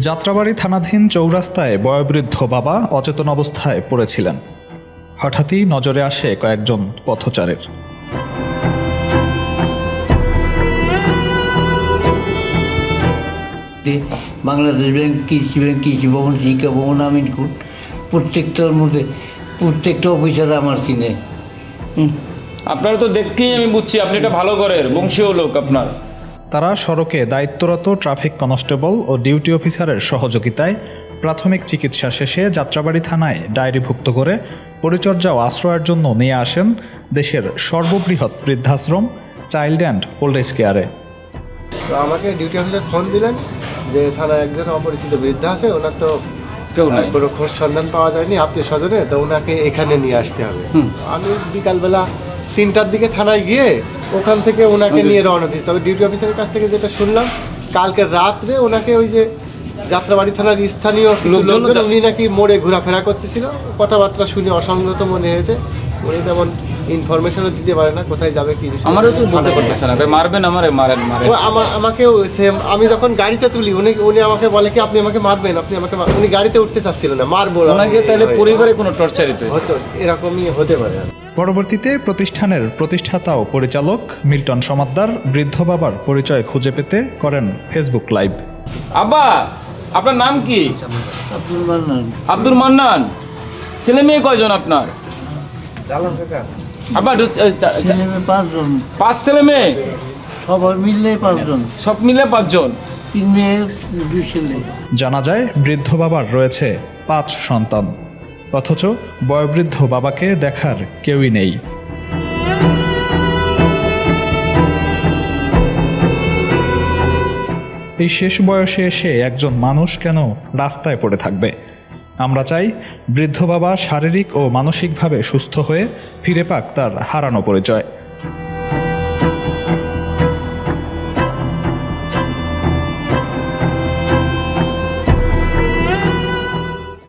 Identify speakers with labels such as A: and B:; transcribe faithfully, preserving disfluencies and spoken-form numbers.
A: যাত্রাবাড়ী থানাধীন চৌরাস্তায় বয়োবৃদ্ধ বাবা অচেতন অবস্থায় পড়েছিলেন। হঠাৎই নজরে আসে কয়েকজন পথচারীর।
B: বাংলাদেশ ব্যাংক, কৃষি ব্যাংক, কৃষি ভবন, শিক্ষা ভবন, আমিনকুট, প্রত্যেকটার মধ্যে প্রত্যেকটা অফিসার আমার চিনে।
C: আপনারা তো দেখতেই আমি বুঝছি আপনি এটা ভালো করেন, বংশীয় লোক আপনার।
A: তারা সড়কে দায়িত্বরত ট্রাফিক কনস্টেবল ও ডিউটি অফিসারের সহযোগিতায় প্রাথমিক চিকিৎসা শেষে যাত্রাবাড়ী থানায় ডায়েরিভুক্ত করে পরিচর্যা ও আশ্রয়ের জন্য নিয়ে আসেন দেশের সর্ববৃহৎ বৃদ্ধাশ্রম চাইল্ড অ্যান্ড ওল্ড এজ কেয়ারে।
D: তো আমাকে ডিউটি অফিসার ফোন দিলেন যে থানায় একজন অপরিচিত বৃদ্ধা আছে, ওনার তো
C: কেউ নাই,
D: কোনো খোঁজ সন্ধান পাওয়া যায়নি আত্মীয় স্বজনে, তো ওনাকে এখানে নিয়ে আসতে হবে। আমি বিকালবেলা তিনটার দিকে থানায় গিয়ে ওখান থেকে ওনাকে নিয়ে রওনা দিয়েছি। তবে ডিউটি অফিসারের কাছ থেকে যেটা শুনলাম, কালকে রাত্রে ওনাকে ওই যে যাত্রাবাড়ী থানার স্থানীয় কিছু লোকজন, উনি নাকি মোড়ে ঘোরাফেরা করতেছিল, কথাবার্তা শুনে অসংগত মনে হয়েছে। উনি তেমন ইনফরমেশনও দিতে পারে না কোথায় যাবে কি বিষয়।
C: আমারও তো বলতে পারতেছে না, মারবেন আমারে, মারেন মারেন।
D: ও আমা- আমাকেও সেম, আমি যখন গাড়িতে তুলি উনি উনি আমাকে বলে কি আপনি আমাকে মারবেন, আপনি আমাকে মার-" উনি গাড়িতে উঠতে চাচ্ছিল না, মারবো না।
C: ওনাকে তাহলে পরিবারে কোনো টর্চারিত হয়েছে?
D: হতো, এরকমই হতে পারে।
A: পরবর্তীতে প্রতিষ্ঠানের প্রতিষ্ঠাতা ও পরিচালক মিল্টন সমাদ্দার বৃদ্ধ বাবার পরিচয় খুঁজে পেতে করেন ফেসবুক লাইভ।
C: আব্বা, আপনার নাম কি?
B: আব্দুল মান্নান।
C: আব্দুল মান্নান। ছেলে মেয়ে কয়জন আপনার? আব্বা দু- এ, চা- চা-
B: ছেলে মেয়ে পাঁচজন,
C: পাঁচ ছেলে মেয়ে,
B: সবাই মিললে পাঁচজন,
C: সব মিলে পাঁচজন।
B: তিন মেয়ে দুই ছেলে।
A: জানা যায় বৃদ্ধ বাবার রয়েছে পাঁচ সন্তান, অথচ বয়োবৃদ্ধ বাবাকে দেখার কেউই নেই। এই শেষ বয়সে এসে একজন মানুষ কেন রাস্তায় পড়ে থাকবে? আমরা চাই বৃদ্ধ বাবা শারীরিক ও মানসিকভাবে সুস্থ হয়ে ফিরে পাক তার হারানো পরিচয়।